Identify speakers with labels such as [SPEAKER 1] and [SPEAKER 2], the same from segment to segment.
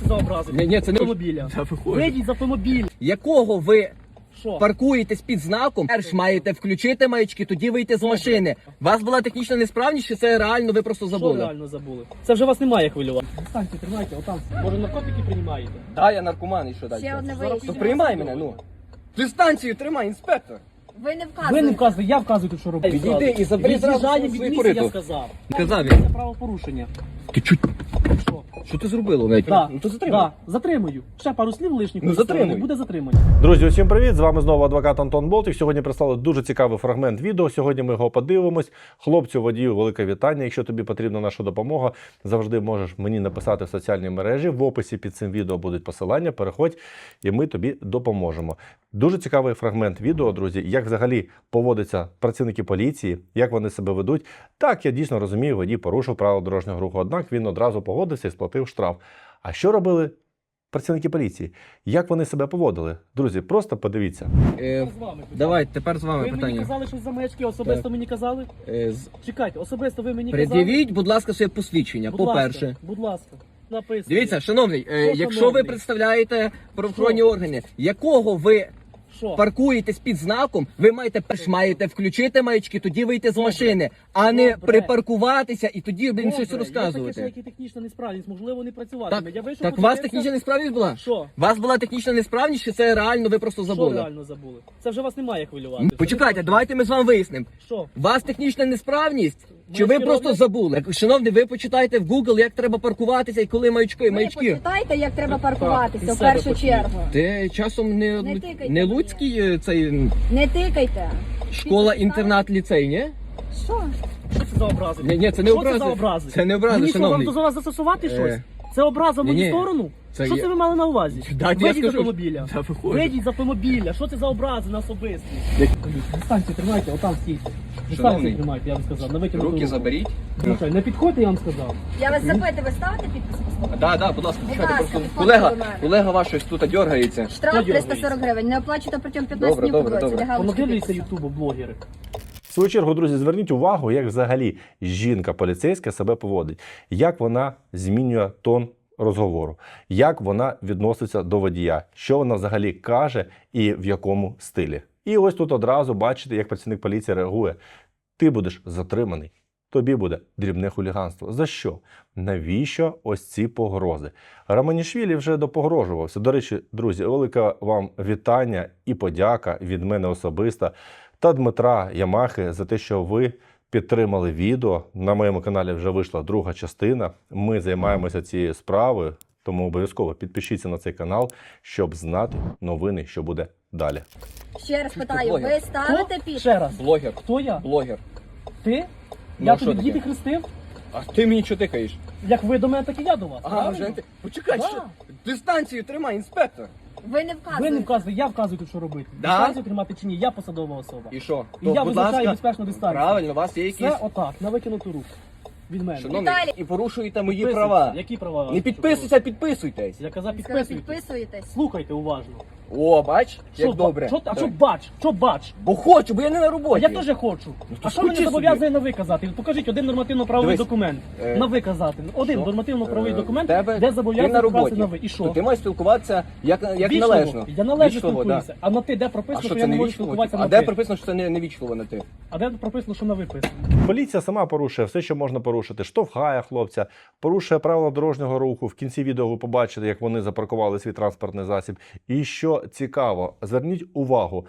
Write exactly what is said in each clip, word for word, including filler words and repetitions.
[SPEAKER 1] за образи?
[SPEAKER 2] Ні, ні, це не
[SPEAKER 1] автомобіля.
[SPEAKER 2] Я виходжу.
[SPEAKER 1] Вийдіть з автомобіля.
[SPEAKER 2] Якого ви
[SPEAKER 1] Що?
[SPEAKER 2] паркуєтесь під знаком, перш маєте включити маячки, тоді вийти з машини. У вас була технічна несправність, чи це реально ви просто
[SPEAKER 1] Що
[SPEAKER 2] забули?
[SPEAKER 1] реально забули? Це вже вас немає хвилювати. Дистанцію тримайте, отам. Може наркотики приймаєте?
[SPEAKER 2] Так, я наркоман, і що далі?
[SPEAKER 3] Ще одне
[SPEAKER 1] Зараз
[SPEAKER 2] То
[SPEAKER 3] виїзд.
[SPEAKER 2] приймай мене, ну. Дистанцію тримай, інспектор.
[SPEAKER 3] Ви не
[SPEAKER 1] Ви
[SPEAKER 3] вказуєте.
[SPEAKER 1] не вказуєте, я вказую тут, що робити.
[SPEAKER 2] Відійди і забери зразу
[SPEAKER 1] Від'їжджає від
[SPEAKER 2] свою
[SPEAKER 1] місця, я
[SPEAKER 2] кориту.
[SPEAKER 1] сказав.
[SPEAKER 2] Казав
[SPEAKER 1] Це
[SPEAKER 2] він.
[SPEAKER 1] правопорушення.
[SPEAKER 2] Ти чуть...
[SPEAKER 1] Що?
[SPEAKER 2] Що ти зробило, навіть?
[SPEAKER 1] Да.
[SPEAKER 2] Ну то затримай.
[SPEAKER 1] Да. Затримую. Ще пару слів лишніх.
[SPEAKER 2] Ну, затримуй.
[SPEAKER 1] Буде затримання.
[SPEAKER 4] Друзі, усім привіт! З вами знову адвокат Антон Болтик. Сьогодні прислали дуже цікавий фрагмент відео. Сьогодні ми його подивимось. Хлопцю, водію, велике вітання. Якщо тобі потрібна наша допомога, завжди можеш мені написати в соціальній мережі. В описі під цим відео будуть посилання. Переходь, і ми тобі допоможемо. Дуже цікавий фрагмент відео, друзі, як взагалі поводяться працівники поліції, як вони себе ведуть. Так, я дійсно розумію, водій порушив правила дорожнього руху, однак він одразу погодився і сплатив штраф. А що робили працівники поліції? Як вони себе поводили? Друзі, просто подивіться.
[SPEAKER 2] Е,
[SPEAKER 1] З вами питання.
[SPEAKER 2] давай, тепер з вами
[SPEAKER 1] Ви мені
[SPEAKER 2] питання.
[SPEAKER 1] казали щось за маячки, особисто
[SPEAKER 2] Так.
[SPEAKER 1] мені казали?
[SPEAKER 2] Е, з-
[SPEAKER 1] Чекайте, особисто ви мені казали?
[SPEAKER 2] Пред'явіть, будь ласка, своє посвідчення,
[SPEAKER 1] Будь
[SPEAKER 2] по-перше.
[SPEAKER 1] ласка, будь ласка. Написано.
[SPEAKER 2] Дивіться, шановний, е,
[SPEAKER 1] Що,
[SPEAKER 2] якщо
[SPEAKER 1] шановний?
[SPEAKER 2] ви представляєте правоохоронні
[SPEAKER 1] Що?
[SPEAKER 2] органи, якого ви
[SPEAKER 1] Що?
[SPEAKER 2] паркуєтесь під знаком, ви маєте перш маєте включити маячки, тоді вийти з
[SPEAKER 1] Добре.
[SPEAKER 2] машини, а не
[SPEAKER 1] Добре.
[SPEAKER 2] припаркуватися і тоді, блін,
[SPEAKER 1] Добре,
[SPEAKER 2] щось
[SPEAKER 1] Є таке,
[SPEAKER 2] розказувати.
[SPEAKER 1] що які технічна несправність, можливо, не працюватиме.
[SPEAKER 2] Так,
[SPEAKER 1] Я вийшов,
[SPEAKER 2] так у вас
[SPEAKER 1] подивився.
[SPEAKER 2] технічна несправність була?
[SPEAKER 1] Що?
[SPEAKER 2] У вас була технічна несправність, чи це реально ви просто
[SPEAKER 1] Що
[SPEAKER 2] забули?
[SPEAKER 1] реально забули? Це вже вас немає хвилювати.
[SPEAKER 2] Ну, Почекайте, давайте ми з вами вияснимо.
[SPEAKER 1] Що?
[SPEAKER 2] У вас технічна несправність? Чи ви
[SPEAKER 1] Маячки
[SPEAKER 2] просто
[SPEAKER 1] роблять?
[SPEAKER 2] забули? Шановний, ви почитайте в Google, як треба паркуватися і коли маячки,
[SPEAKER 3] Ви
[SPEAKER 2] маячки.
[SPEAKER 3] почитайте, як треба
[SPEAKER 1] і
[SPEAKER 3] паркуватися в
[SPEAKER 1] себе
[SPEAKER 3] першу
[SPEAKER 1] почніть.
[SPEAKER 3] чергу.
[SPEAKER 2] Ти часом не,
[SPEAKER 3] Не
[SPEAKER 2] Лу-
[SPEAKER 3] тикайте
[SPEAKER 2] не
[SPEAKER 3] мені.
[SPEAKER 2] Луцький е, цей м,
[SPEAKER 3] Не тикайте.
[SPEAKER 2] школа, інтернат, ліцей, ні?
[SPEAKER 3] Що?
[SPEAKER 1] Що це за образи?
[SPEAKER 2] Ні, ні, це не
[SPEAKER 1] Що
[SPEAKER 2] образи.
[SPEAKER 1] це за образи?
[SPEAKER 2] Це не образи,
[SPEAKER 1] Мені що, вам
[SPEAKER 2] шановний.
[SPEAKER 1] до вас застосувати
[SPEAKER 2] Е,
[SPEAKER 1] щось? Це образа в мою
[SPEAKER 2] ні-ні.
[SPEAKER 1] сторону?
[SPEAKER 2] Це
[SPEAKER 1] Що
[SPEAKER 2] є-
[SPEAKER 1] це ви мали на увазі?
[SPEAKER 2] Дайте я
[SPEAKER 1] Вийдіть з
[SPEAKER 2] скажу.
[SPEAKER 1] автомобіля.
[SPEAKER 2] Я виходжу.
[SPEAKER 1] Вийдіть з автомобіля. Що це за образи на особисті? Дистанцію тримайте, отам стійте.
[SPEAKER 2] Шановний.
[SPEAKER 1] Дистанцію тримайте, я вам сказав. На витягнуту
[SPEAKER 2] Руки
[SPEAKER 1] руку.
[SPEAKER 2] заберіть.
[SPEAKER 1] Ну, що, не підходьте, я вам сказав.
[SPEAKER 3] Я вас запитую, ви ставите підпис? послухайте?
[SPEAKER 2] Да, да, будь ласка,
[SPEAKER 3] Будь
[SPEAKER 2] почекайте,
[SPEAKER 3] ласка,
[SPEAKER 2] просто
[SPEAKER 3] підходьте
[SPEAKER 2] колега,
[SPEAKER 3] до мене.
[SPEAKER 2] колега ваш щось тут дергається.
[SPEAKER 3] Штраф
[SPEAKER 1] Хто
[SPEAKER 3] триста
[SPEAKER 1] дергається?
[SPEAKER 3] сорок гривень. Не оплачуєте протягом п'ятнадцяти
[SPEAKER 2] Добре,
[SPEAKER 3] днів по
[SPEAKER 2] добре,
[SPEAKER 3] дорозі.
[SPEAKER 2] добре.
[SPEAKER 3] Галочка
[SPEAKER 1] Понадивляться
[SPEAKER 3] підпису.
[SPEAKER 1] ютубу блогери.
[SPEAKER 4] В свою чергу, друзі, зверніть увагу, як взагалі жінка поліцейська себе поводить, як вона змінює тон розговору, як вона відноситься до водія, що вона взагалі каже і в якому стилі. І ось тут одразу бачите, як працівник поліції реагує. Ти будеш затриманий, тобі буде дрібне хуліганство. За що? Навіщо ось ці погрози? Романішвілі вже допогрожувався. До речі, друзі, велике вам вітання і подяка від мене особисто та Дмитра Ямахи за те, що ви підтримали відео. На моєму каналі вже вийшла друга частина. Ми займаємося цією справою, тому обов'язково підпишіться на цей канал, щоб знати новини, що буде далі.
[SPEAKER 3] Ще раз питаю,
[SPEAKER 2] блогер?
[SPEAKER 3] ви ставите
[SPEAKER 1] Хто?
[SPEAKER 3] підпис?
[SPEAKER 1] Ще раз.
[SPEAKER 2] Блогер.
[SPEAKER 1] Хто я?
[SPEAKER 2] Блогер.
[SPEAKER 1] Ти?
[SPEAKER 2] Ну,
[SPEAKER 1] Я
[SPEAKER 2] а що
[SPEAKER 1] тобі
[SPEAKER 2] таке?
[SPEAKER 1] діти хрестив?
[SPEAKER 2] А ти мені що тикаєш?
[SPEAKER 1] Як ви до мене, так і я до вас.
[SPEAKER 2] А,
[SPEAKER 1] правильно?
[SPEAKER 2] вже ти... Почекай,
[SPEAKER 1] Да.
[SPEAKER 2] що? Дистанцію тримай, інспектор.
[SPEAKER 3] Ви не
[SPEAKER 1] Ви
[SPEAKER 3] вказуєте.
[SPEAKER 1] не вказуєте, я вказую тут, що робити.
[SPEAKER 2] Да?
[SPEAKER 1] Дистанцію тримати чи ні, я посадова особа.
[SPEAKER 2] І що?
[SPEAKER 1] І я
[SPEAKER 2] будь
[SPEAKER 1] визначаю
[SPEAKER 2] ласка,
[SPEAKER 1] безпечну дистанцію.
[SPEAKER 2] Правильно, у вас є якісь...
[SPEAKER 1] Це отак, на викинуту руку. Від мене.
[SPEAKER 2] Шановний,
[SPEAKER 3] Віталій.
[SPEAKER 2] і порушуєте мої
[SPEAKER 1] Підписуйтесь.
[SPEAKER 2] права.
[SPEAKER 1] Які права?
[SPEAKER 2] Не підписуйся, а підписуйтесь.
[SPEAKER 1] Я казав,
[SPEAKER 3] Ви сказали,
[SPEAKER 1] підписуйтесь.
[SPEAKER 3] підписуєтесь.
[SPEAKER 1] Слухайте уважно.
[SPEAKER 2] О, бач, як
[SPEAKER 1] Що,
[SPEAKER 2] добре.
[SPEAKER 1] Що, а що
[SPEAKER 2] Давай.
[SPEAKER 1] бач? Що бач?
[SPEAKER 2] Бо хочу, бо я не на
[SPEAKER 1] А
[SPEAKER 2] роботі.
[SPEAKER 1] я теж хочу.
[SPEAKER 2] то
[SPEAKER 1] А що мене
[SPEAKER 2] скучи
[SPEAKER 1] зобов'язує на ви казати? Покажіть один нормативно-правовий
[SPEAKER 2] Дивись,
[SPEAKER 1] документ.
[SPEAKER 2] е,
[SPEAKER 1] На ви казати. Один
[SPEAKER 2] що?
[SPEAKER 1] нормативно-правовий
[SPEAKER 2] Е,
[SPEAKER 1] документ,
[SPEAKER 2] тебе-
[SPEAKER 1] де
[SPEAKER 2] ти
[SPEAKER 1] зобов'язаний
[SPEAKER 2] на
[SPEAKER 1] вказати
[SPEAKER 2] роботі.
[SPEAKER 1] на ви. І що?
[SPEAKER 2] То ти маєш спілкуватися як, як
[SPEAKER 1] Вічливо.
[SPEAKER 2] належно.
[SPEAKER 1] Я належно
[SPEAKER 2] Вічливо, да.
[SPEAKER 1] спілкуюся. А на ти де
[SPEAKER 2] А
[SPEAKER 1] прописано,
[SPEAKER 2] що
[SPEAKER 1] що
[SPEAKER 2] це
[SPEAKER 1] я не
[SPEAKER 2] не
[SPEAKER 1] можу
[SPEAKER 2] вічливо?
[SPEAKER 1] спілкуватися
[SPEAKER 2] А
[SPEAKER 1] на
[SPEAKER 2] де
[SPEAKER 1] ти?
[SPEAKER 2] прописано, що це не, не вічливо на ти?
[SPEAKER 1] А де прописано, що на ви писано?
[SPEAKER 4] Поліція сама порушує все, що можна порушити. Штовхає хлопця, порушує правила дорожнього руху. В кінці відео ви побачите, як вони запаркували свій транспортний засіб. І що цікаво, зверніть увагу,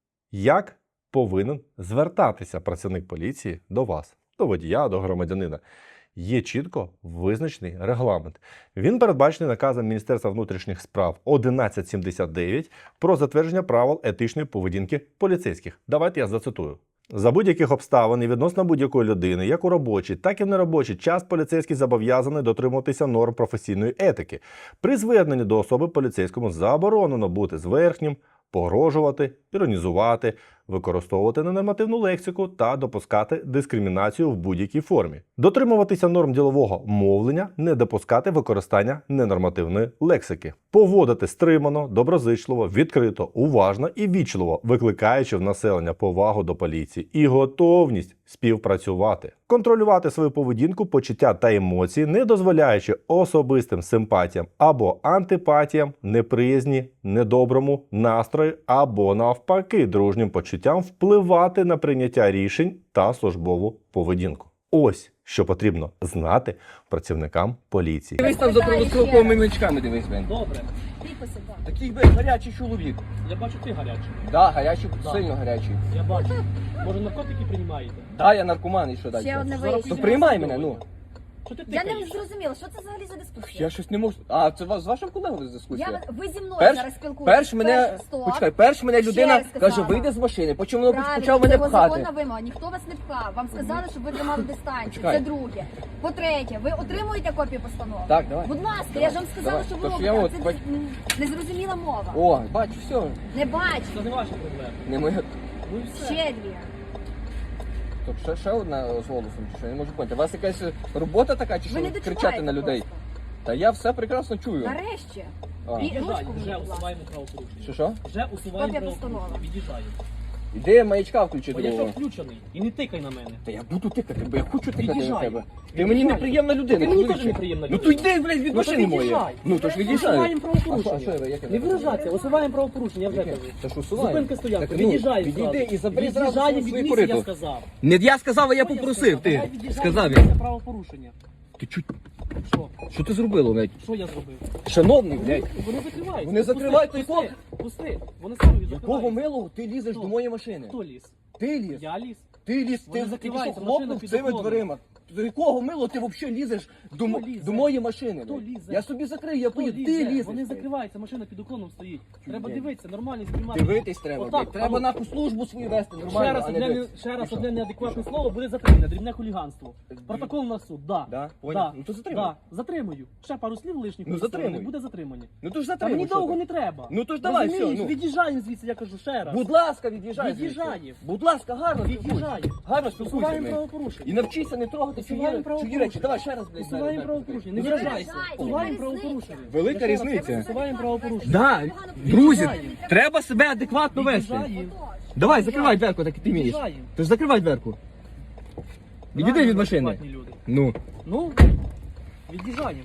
[SPEAKER 4] як повинен звертатися працівник поліції до вас, до водія, до громадянина. Є чітко визначений регламент. Він передбачений наказом Міністерства внутрішніх справ одинадцять сімдесят дев'ять про затвердження правил етичної поведінки поліцейських. Давайте я зацитую. За будь-яких обставин і відносно будь-якої людини, як у робочий, так і в неробочий час поліцейський зобов'язаний дотримуватися норм професійної етики. При зверненні до особи поліцейському заборонено бути зверхнім, погрожувати, іронізувати, використовувати ненормативну лексику та допускати дискримінацію в будь-якій формі, дотримуватися норм ділового мовлення, не допускати використання ненормативної лексики, поводити стримано, доброзичливо, відкрито, уважно і вічливо, викликаючи в населення повагу до поліції і готовність співпрацювати, контролювати свою поведінку, почуття та емоції, не дозволяючи особистим симпатіям або антипатіям, неприязні, недоброму настрою або навпаки дружнім почуттям впливати на прийняття рішень та службову поведінку. Ось що потрібно знати працівникам поліції.
[SPEAKER 2] Дивись там за правословними маячками, дивись, блин.
[SPEAKER 1] Добре.
[SPEAKER 3] Підписи, так.
[SPEAKER 2] Такий, блин, гарячий чоловік.
[SPEAKER 1] Я бачу, ти гарячий.
[SPEAKER 2] Да, гарячий,
[SPEAKER 1] Да.
[SPEAKER 2] сильно гарячий.
[SPEAKER 1] Я бачу. Може, наркотики приймаєте?
[SPEAKER 2] Да, я наркоман, і що далі?
[SPEAKER 3] Ще одне
[SPEAKER 1] Зараз
[SPEAKER 2] То
[SPEAKER 3] виїзд.
[SPEAKER 2] приймай мене, ну.
[SPEAKER 1] Що ти
[SPEAKER 3] Я не
[SPEAKER 1] тикаєш?
[SPEAKER 3] зрозуміла, що це взагалі за дискусія?
[SPEAKER 2] Я щось не можу. А, це вас- з вашим колегою дискусія?
[SPEAKER 3] Я, ви зі мною
[SPEAKER 2] Перш-
[SPEAKER 3] зараз спілкуєтесь.
[SPEAKER 2] Перш мене,
[SPEAKER 3] стоп.
[SPEAKER 2] почекай, перш мене
[SPEAKER 3] Ще
[SPEAKER 2] людина
[SPEAKER 3] раз
[SPEAKER 2] каже,
[SPEAKER 3] сказала.
[SPEAKER 2] вийди з машини, потім воно
[SPEAKER 3] Правильно,
[SPEAKER 2] почав
[SPEAKER 3] це
[SPEAKER 2] мене
[SPEAKER 3] його
[SPEAKER 2] пхати.
[SPEAKER 3] законна вимога. Ніхто вас не пхав. Вам сказали, щоб ви тримали дистанцію.
[SPEAKER 2] Почекай.
[SPEAKER 3] Це друге. По-третє, ви отримуєте копію постанови?
[SPEAKER 2] Так, давай.
[SPEAKER 3] Будь ласка, я ж вам сказала,
[SPEAKER 2] Давай.
[SPEAKER 3] що ви
[SPEAKER 2] Тож
[SPEAKER 3] робите.
[SPEAKER 2] я
[SPEAKER 3] а
[SPEAKER 2] от
[SPEAKER 3] Це
[SPEAKER 2] бач-
[SPEAKER 3] м, незрозуміла мова.
[SPEAKER 2] О, бачу, все.
[SPEAKER 3] Не бачу.
[SPEAKER 1] Це не ваша проблема.
[SPEAKER 2] Не моя.
[SPEAKER 1] Ну і все.
[SPEAKER 3] Ще дві.
[SPEAKER 2] Тобто ще, ще одна з голосом, чи що? Я не можу поняти. У вас якась робота така, чи
[SPEAKER 3] Ви не
[SPEAKER 2] що
[SPEAKER 3] дочуваєте
[SPEAKER 2] кричати на людей?
[SPEAKER 3] просто.
[SPEAKER 2] Та я все прекрасно чую.
[SPEAKER 3] Нарешті.
[SPEAKER 2] А.
[SPEAKER 3] І-
[SPEAKER 1] Від'їжджай,
[SPEAKER 3] ручку
[SPEAKER 1] вже
[SPEAKER 3] мені, будь ласка.
[SPEAKER 1] усуваємо правопорушення.
[SPEAKER 2] Що що?
[SPEAKER 1] Вже усуваємо
[SPEAKER 3] Копія
[SPEAKER 1] правопорушення.
[SPEAKER 3] постанови.
[SPEAKER 1] Від'їжджаю.
[SPEAKER 2] Іди маячка включи
[SPEAKER 1] Бо я
[SPEAKER 2] другого.
[SPEAKER 1] що включений. І не тикай на мене.
[SPEAKER 2] Та я буду тикати, бо я хочу тикати на
[SPEAKER 1] Від'їжджай.
[SPEAKER 2] тебе. Ти
[SPEAKER 1] Від'їжджай.
[SPEAKER 2] мені неприємна людина.
[SPEAKER 1] Ти мені
[SPEAKER 2] чоловіче.
[SPEAKER 1] теж неприємна
[SPEAKER 2] Ну
[SPEAKER 1] людина.
[SPEAKER 2] то йди, блядь, від
[SPEAKER 1] Ну, то
[SPEAKER 2] машини моєї.
[SPEAKER 1] від'їжджай.
[SPEAKER 2] Ну то ж від'їжджай.
[SPEAKER 1] Усуваємо
[SPEAKER 2] А що- а що
[SPEAKER 1] правопорушення.
[SPEAKER 2] я- як я
[SPEAKER 1] Не
[SPEAKER 2] так
[SPEAKER 1] виражайся, усуваємо правопорушення, я вже
[SPEAKER 2] Яке?
[SPEAKER 1] кажу.
[SPEAKER 2] Та ж усувай.
[SPEAKER 1] Зупинка стоянка,
[SPEAKER 2] Так, ну,
[SPEAKER 1] від'їжджай
[SPEAKER 2] відійди
[SPEAKER 1] зразу.
[SPEAKER 2] і забери зразу
[SPEAKER 1] Від'їжджай
[SPEAKER 2] свою
[SPEAKER 1] від
[SPEAKER 2] свою
[SPEAKER 1] місця, я
[SPEAKER 2] кориту.
[SPEAKER 1] сказав.
[SPEAKER 2] Не я сказав, а я
[SPEAKER 1] Що
[SPEAKER 2] попросив. Ти
[SPEAKER 1] Давай від'їжджай
[SPEAKER 2] сказав
[SPEAKER 1] від
[SPEAKER 2] я.
[SPEAKER 1] місця правопорушення.
[SPEAKER 2] Ти чуть.
[SPEAKER 1] Що?
[SPEAKER 2] Що ти зробило, блядь?
[SPEAKER 1] Що я зробив?
[SPEAKER 2] Шановний, блядь.
[SPEAKER 1] Вони закривають.
[SPEAKER 2] Вони закривають
[SPEAKER 1] Пусти,
[SPEAKER 2] той
[SPEAKER 1] пусти, пусти. Вони самі
[SPEAKER 2] Якого
[SPEAKER 1] закривають.
[SPEAKER 2] милого ти лізеш
[SPEAKER 1] Хто?
[SPEAKER 2] до моєї машини?
[SPEAKER 1] Хто ліз?
[SPEAKER 2] Ти ліз.
[SPEAKER 1] Я ліз.
[SPEAKER 2] Ти ліз,
[SPEAKER 1] Вони
[SPEAKER 2] ти тільки що
[SPEAKER 1] закриваються,
[SPEAKER 2] хлопнув
[SPEAKER 1] машина під
[SPEAKER 2] цими
[SPEAKER 1] уклоном.
[SPEAKER 2] дверима. До якого мило ти взагалі лізеш до, мо-
[SPEAKER 1] лізе?
[SPEAKER 2] до моєї машини?
[SPEAKER 1] Хто
[SPEAKER 2] блядь?
[SPEAKER 1] лізе?
[SPEAKER 2] Я собі закрию, я
[SPEAKER 1] Хто
[SPEAKER 2] поїду.
[SPEAKER 1] лізе?
[SPEAKER 2] Ти лізеш.
[SPEAKER 1] Вони
[SPEAKER 2] блядь.
[SPEAKER 1] закриваються, машина під уклоном стоїть. Треба
[SPEAKER 2] блядь.
[SPEAKER 1] дивитися, нормально знімати.
[SPEAKER 2] Дивитись треба,
[SPEAKER 1] Отак,
[SPEAKER 2] блядь. Треба
[SPEAKER 1] алло.
[SPEAKER 2] нахуй службу свою вести
[SPEAKER 1] Ще
[SPEAKER 2] нормально,
[SPEAKER 1] раз
[SPEAKER 2] а не
[SPEAKER 1] одне,
[SPEAKER 2] дивитись.
[SPEAKER 1] ще раз
[SPEAKER 2] І що?
[SPEAKER 1] одне неадекватне слово буде затримане, дрібне хуліганство. Протокол на суд, да.
[SPEAKER 2] Да? Поняв?
[SPEAKER 1] Да.
[SPEAKER 2] Ну то затримуй.
[SPEAKER 1] Да. Затримую. Ще пару слів лишніх
[SPEAKER 2] Ну,
[SPEAKER 1] у сторони,
[SPEAKER 2] затримуй.
[SPEAKER 1] буде затримання.
[SPEAKER 2] Ну то ж
[SPEAKER 1] Та
[SPEAKER 2] затримуй.
[SPEAKER 1] мені
[SPEAKER 2] що
[SPEAKER 1] довго
[SPEAKER 2] ти?
[SPEAKER 1] не треба.
[SPEAKER 2] Ну, то ж давай,
[SPEAKER 1] Розумієш?
[SPEAKER 2] все, ну.
[SPEAKER 1] Від'їжджаємо звідси, я кажу ще раз.
[SPEAKER 2] Будь ласка, від'їжджай.
[SPEAKER 1] Від'їжджаємо.
[SPEAKER 2] звідси. Будь ласка, гарно спілкуйся.
[SPEAKER 1] Від'їжджаємо.
[SPEAKER 2] Гарно спілкуйся.
[SPEAKER 1] Усуваємо
[SPEAKER 2] блядь.
[SPEAKER 1] правопорушення.
[SPEAKER 2] І навчися не трогати чужі
[SPEAKER 1] Усуваємо
[SPEAKER 2] чужі
[SPEAKER 1] правопорушення.
[SPEAKER 2] речі. Давай ще раз, блядь.
[SPEAKER 1] Усуваємо
[SPEAKER 2] зараз,
[SPEAKER 1] правопорушення. Не
[SPEAKER 2] Ну,
[SPEAKER 1] виражайся.
[SPEAKER 3] виражайся.
[SPEAKER 1] Усуваємо
[SPEAKER 3] Яка
[SPEAKER 1] правопорушення.
[SPEAKER 2] Велика
[SPEAKER 1] Я ще раз
[SPEAKER 2] різниця.
[SPEAKER 1] кажу, Усуваємо правопорушення.
[SPEAKER 2] Да, друзі, треба себе адекватно вести.
[SPEAKER 1] Від'їжджаємо.
[SPEAKER 2] Давай, закривай дверку, так і ти вмієш.
[SPEAKER 1] Від'їжджаємо.
[SPEAKER 2] Ти ж закривай дверку. Відійди
[SPEAKER 1] Правильно,
[SPEAKER 2] від машини.
[SPEAKER 1] адекватні люди.
[SPEAKER 2] Ну.
[SPEAKER 1] Ну, від'їжджаємо.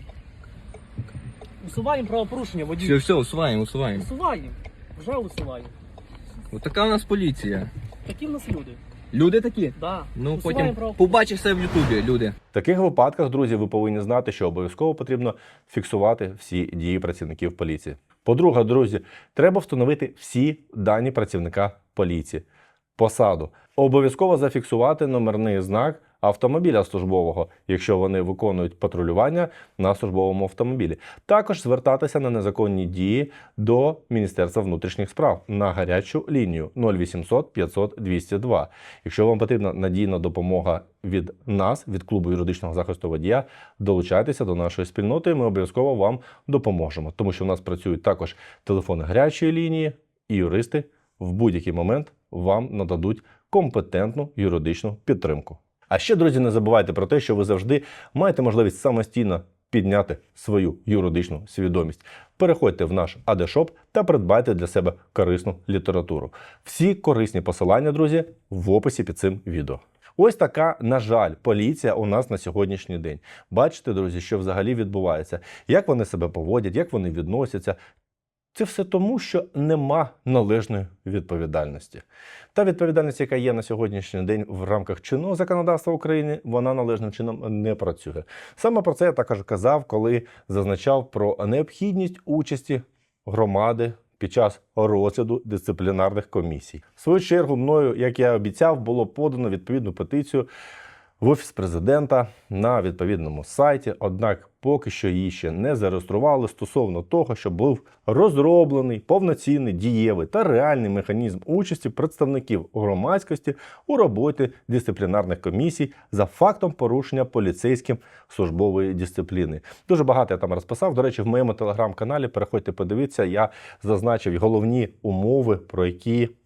[SPEAKER 1] Усуваємо правопорушення, водій.
[SPEAKER 2] Все, все, усуваємо, усуваємо.
[SPEAKER 1] Усуваємо. Вже усуваємо.
[SPEAKER 2] Ось така у нас поліція.
[SPEAKER 1] Такі в нас люди.
[SPEAKER 2] Люди такі?
[SPEAKER 1] Да.
[SPEAKER 2] Ну,
[SPEAKER 1] Усуваємо
[SPEAKER 2] потім
[SPEAKER 1] правопорушення.
[SPEAKER 2] побачиш все в Ютубі, люди.
[SPEAKER 4] В таких випадках, друзі, ви повинні знати, що обов'язково потрібно фіксувати всі дії працівників поліції. По-друге, друзі, треба встановити всі дані працівника поліції. Посаду. Обов'язково зафіксувати номерний знак автомобіля службового, якщо вони виконують патрулювання на службовому автомобілі. Також звертатися на незаконні дії до Міністерства внутрішніх справ на гарячу лінію нуль вісімсот п'ятсот двісті два. Якщо вам потрібна надійна допомога від нас, від клубу юридичного захисту водія, долучайтеся до нашої спільноти, і ми обов'язково вам допоможемо. Тому що в нас працюють також телефони гарячої лінії, і юристи в будь-який момент вам нададуть компетентну юридичну підтримку. А ще, друзі, не забувайте про те, що ви завжди маєте можливість самостійно підняти свою юридичну свідомість. Переходьте в наш ей ді шоп та придбайте для себе корисну літературу. Всі корисні посилання, друзі, в описі під цим відео. Ось така, на жаль, поліція у нас на сьогоднішній день. Бачите, друзі, що взагалі відбувається, як вони себе поводять, як вони відносяться. Це все тому, що нема належної відповідальності. Та відповідальність, яка є на сьогоднішній день в рамках чинного законодавства України, вона належним чином не працює. Саме про це я також казав, коли зазначав про необхідність участі громади під час розгляду дисциплінарних комісій. В свою чергу мною, як я обіцяв, було подано відповідну петицію в Офіс Президента на відповідному сайті, однак поки що її ще не зареєстрували стосовно того, щоб був розроблений повноцінний, дієвий та реальний механізм участі представників громадськості у роботі дисциплінарних комісій за фактом порушення поліцейським службової дисципліни. Дуже багато я там розписав. До речі, в моєму телеграм-каналі, переходьте, подивіться, я зазначив головні умови, про які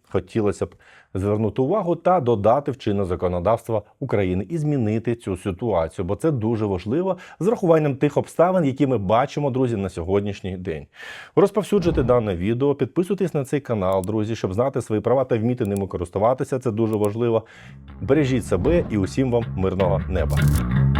[SPEAKER 4] хотілося б звернути увагу та додати в чинне законодавство України і змінити цю ситуацію, бо це дуже важливо з врахуванням тих обставин, які ми бачимо, друзі, на сьогоднішній день. Розповсюджуйте дане відео, підписуйтесь на цей канал, друзі, щоб знати свої права та вміти ними користуватися, це дуже важливо. Бережіть себе і усім вам мирного неба.